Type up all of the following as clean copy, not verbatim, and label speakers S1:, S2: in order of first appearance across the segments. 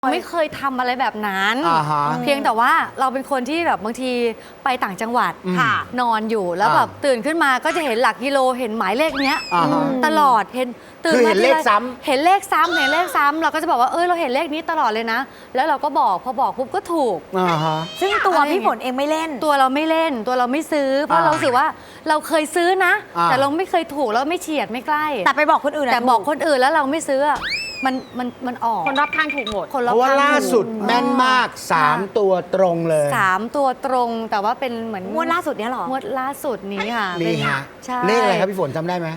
S1: ไม่เคยทำอะไรแบบนั้นเพียงแต่ว่าเราเป็นคนที่แบบบางทีไปต่างจังหวัดนอนอยู่แล้วแบบตื่นขึ้นมาก็จะเห็นหลักกิโลเห็นหมายเลขเนี้ยตลอดเห็นตื่นมา
S2: เห็นเลขซ้ำ
S1: เห็นเลขซ้ำเห็นเลขซ้ำเราก็จะบอกว่าเราเห็นเลขนี้ตลอดเลยนะแล้วเราก็บอกพอบอกปุ๊บก็ถูก
S3: ซึ่งตัวพี่ฝนเองไม่เล่น
S1: ตัวเราไม่เล่นตัวเราไม่ซื้อเพราะเราสึกว่าเราเคยซื้อนะแต่เราไม่เคยถูกแล้วไม่เฉียดไม่ใกล้
S3: แต่ไปบอกคนอื่น
S1: แต่บอกคนอื่นแล้วเราไม่ซื้อมันออก
S4: คนรอบข้างถูกหมด
S2: เพราะว่าล่าสุดแม่นมาก3ตัวตรงเลย
S1: 3ตัวตรงแต่ว่าเป็นเหมือน
S3: งวดล่าสุดเนี้ยหรอง
S1: วดล่าสุดนี้ค่ะ
S2: นี่ฮะเลขอะไรครับพี่ฝนจำได้ไหม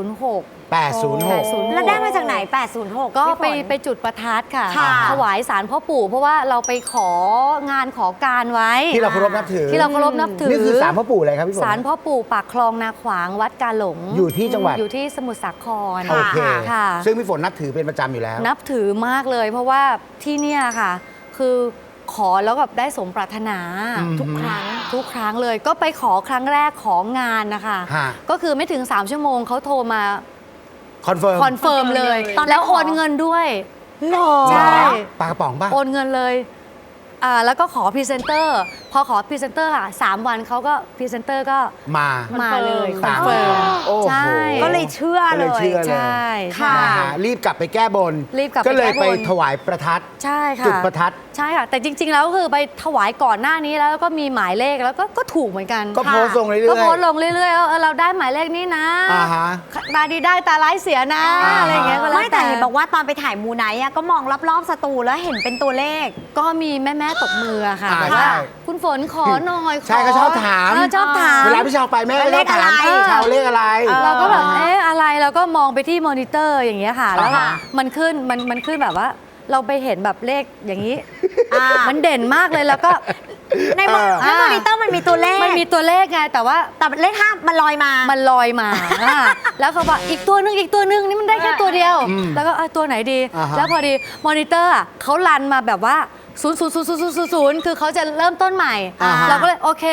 S1: 806
S3: แล้วได้มาจากไหน806
S1: ก็ไปจุดประทัดค่ะถวายศาลพ่อปู่เพราะว่าเราไปของานขอการไว้
S2: ที่เราเคารพนับถือนี่คือศาลพ่อปู่อะไรครับพี่ฝน
S1: ศาลพ่อปู่ปากคลองนาขวางวัดกาหลง
S2: อยู่ที่จังหวัด
S1: อยู่ที่สมุทรสาคร
S2: โอเค
S1: ค่ะ
S2: ซึ่งพี่ฝนนับถือเป็นประจำอยู่แล้ว
S1: นับถือมากเลยเพราะว่าที่เนี่ยค่ะคือขอแล้วแบบได้สมปรารถนาทุกครั้งเลยก็ไปขอครั้งแรกของานนะคะก็คือไม่ถึง3ชั่วโมงเขาโทรมา
S2: คอนเฟิร์ม
S1: เลยแล้วโอนเงินด้วยใช่
S2: ปากกระป๋องป่ะ
S1: โอนเงินเลยแล้วก็ขอพรีเซนเตอร์พอขอพรีเซนเตอร์ค่ะ3 วันเขาก็พรีเซนเตอร์ก็มาเลยคอนเฟิร์ม
S3: ใช่ก็เลยเชื่อเลย
S1: ใช่
S3: ค่ะ
S2: รีบกลับไปแก้บนก็เลยไปถวายประทัด
S1: ใช่ค่ะ
S2: จุดประทัด
S1: ใช่ค่ะแต่จริงๆแล้วคือไปถวายก่อนหน้านี้แล้วก็มีหมายเลขแล้วก็ถูกเหมือนกัน
S2: ก็โพสต์ลงเรื่อยๆ
S1: ก็โพสต์ลงเรื่อยๆเราได้หมายเลขนี้นะตาดีได้ตาร้ายเสียนะอะไรอย่างเงี้ยก็แล้ว
S3: ไม่แต่เห็นบอกว่าตอนไปถ่ายมูไนท์ก็มองรอบๆสตูแล้วเห็นเป็นตัวเลข
S1: ก็มีแม่ตบมือค่ะว่าคุณฝนขอหน่อย
S2: ใช่ก็ชอบถามเวลาพี่ชาวไปแม่ก็ชอบถามชาวเลขอะไร
S1: เราก็แบบอะไรเราก็มองไปที่มอนิเตอร์อย่างเงี้ยค่ะแล้วมันขึ้นแบบว่าเราไปเห็นแบบเลขอย่างนี้มันเด่นมากเลยแล้วก็
S3: ในมอนิเตอร์มันมีตัวเลข
S1: ไงแต่
S3: เลข5มันลอยมา
S1: แล้วเขาบอกอีกตัวนึงนี่มันได้แค่ตัวเดียวแล้วก็ตัวไหนดีแล้วพอดีมอนิเตอร์เขารันมาแบบว่า0 คือเขาจะเริ่มต้นใหม่เราก็เลยโอเค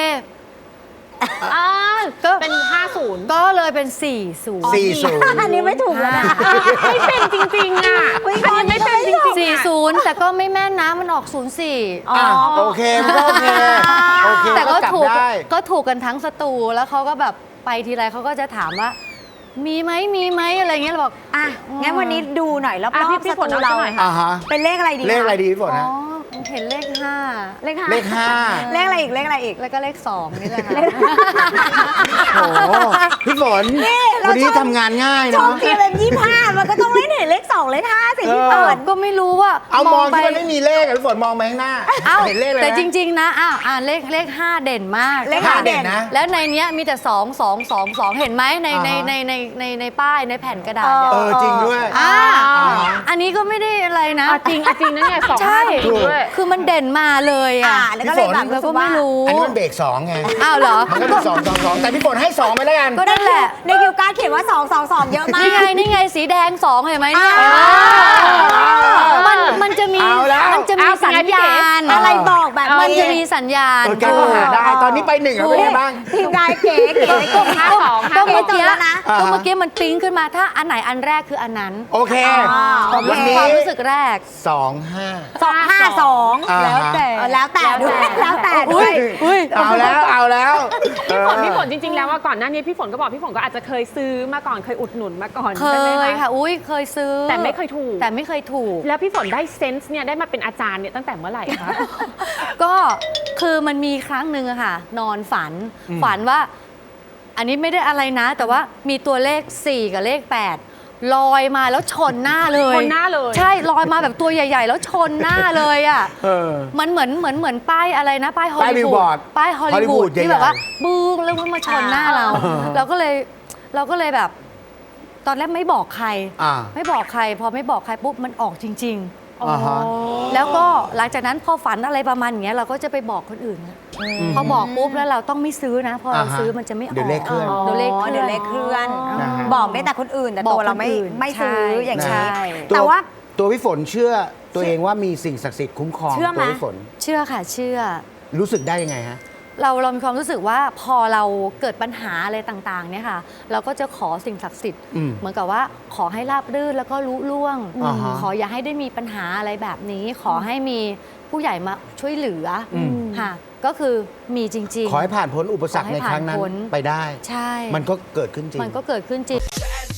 S4: ก็เป็น50
S1: ก็เลยเป็น40
S3: อันนี้ไม่ถูกแล้วนะ
S4: ไม่เป็นจริงๆอ่ะอันนี้ไม่เป็นจริง
S1: ๆ40แต่ก็ไม่แม่นนะมันออก04
S2: โอเค
S1: แต่ก็ถูกกันทั้งสตูแล้วเขาก็แบบไปทีไรเขาก็จะถามว่ามีไหมอะไรเงี้ยเราบอก
S3: งั้นวันนี้ดูหน่อยรอบๆสตูเราเป็นเลขอะไรดี
S2: พี่ฝนนะ
S1: เห็นเลข5
S3: เลขอะไรอีก
S1: แล้วก็เลข2นี่แหละค่ะ
S2: โอ้พี่ฝนวันนี้ทำงานง่ายเนาะ
S3: ชมทีเป็น25มันก็ต้องเล่นเห็นเลข2เลข5สิพี่ฝน
S1: ก็ไม่รู้ว่า
S2: เอามองที่มันไม่มีเลขพี่ฝนมองไปข้างหน้าเห็นเลขเลย
S1: แต่จริงๆนะเลข5เด่นมาก
S3: เลข5เด่น
S1: นะแล้วในนี้มีแต่2 เห็นไหมในป้ายในแผ่นกระดาษ
S2: จริงด้วย
S1: อันนี้ก็ไม่ได้อะไรนะ
S4: จริงนะเนี่ย2
S1: ใช่คือมันเด่นมาเลย
S3: แล้วก็เลยแบบ
S1: เราก็ไม่รู้
S2: อันนี้มันเบรก2ไง
S1: อ้าวเหรอ
S2: มันก็เป็น2แต่พี่ฝนให้2ไปแล้วกัน
S1: ก็นั่นแหละ
S3: ในคิวการ์ดเขียนว่า2เยอะมาก
S1: นี่ไงสีแดง2เห็นไหมเนี่ยมันจะมีสัญญาณ
S3: อะไรบอกแบบ
S1: มันจะมีสัญญาณ
S2: แกก็หาได้ตอนนี้ไป1แล้วเป็นไงบ้าง
S3: ทีมงานเก๋
S1: ก็เมื่อกี้มันปิ๊งขึ้นมาถ้าอันไหนอันแรกคืออันนั้น
S2: โอเค
S1: ความรู้สึกแรก
S3: 252แล้วแต่ด้วย
S2: เอาแล้ว
S4: พี่ฝนจริงๆแล้วว่าก่อนหน้านี้พี่ฝนก็บอกพี่ฝนก็อาจจะเคยซื้อมาก่อนเคยอุดหนุนมาก่อน
S1: เคยค่ะเคยซื้อ
S4: แต่ไม่เคยถูก
S1: แล้ว
S4: พี่ฝนได้เซนส์เนี่ยได้มาเป็นอาจารย์เนี่ยตั้งแต่เมื่อไหร่คะ
S1: ก็คือมันมีครั้งหนึ่งอะค่ะนอนฝันว่าอันนี้ไม่ได้อะไรนะแต่ว่ามีตัวเลข4กับเลข8ลอยมาแล้วชนหน้าเลยใช่ลอยมาแบบตัวใหญ่ๆแล้วชนหน้าเลยอ่ะมันเหมือนป้ายอะไรนะป้ายฮอลลีวูดที่แบบว่าบึ้งแล้วมันมาชนหน้าเราก็เลยแบบตอนแรกไม่บอกใครพอไม่บอกใครปุ๊บมันออกจริงๆแล้วก็หลังจากนั้นพอฝันอะไรประมาณอย่างเงี้ยเราก็จะไปบอกคนอื่นพอบอกปุ๊บแล้วเราต้องไม่ซื้อนะพอเราซื้อมันจะไม่ออก
S2: เดี๋ยวเลขเคลื่
S3: อนบอกได้แต่คนอื่นแต่ตัวเราไม่ซื้ออย่างนี้แต่ว่า
S2: ตัวพี่ฝนเชื่อตัวเองว่ามีสิ่งศักดิ์สิทธิ์คุ้มครองตัวพี่ฝน
S1: เชื่อค่ะเชื่อ
S2: รู้สึกได้ยังไงฮะ
S1: เรามีความรู้สึกว่าพอเราเกิดปัญหาอะไรต่างๆเนี่ยค่ะเราก็จะขอสิ่งศักดิ์สิทธิ์ เหมือนกับว่าขอให้ราบรื่นแล้วก็ลุล่วง ขออย่าให้ได้มีปัญหาอะไรแบบนี้ ขอให้มีผู้ใหญ่มาช่วยเหลือค่ะก็คือมีจริงๆ
S2: ขอให้ผ่านพ้นอุปสรรคในครั้งนั้นไปได้
S1: ใช่
S2: มันก็เกิดขึ้นจริง
S1: มันก็เกิดขึ้นจริง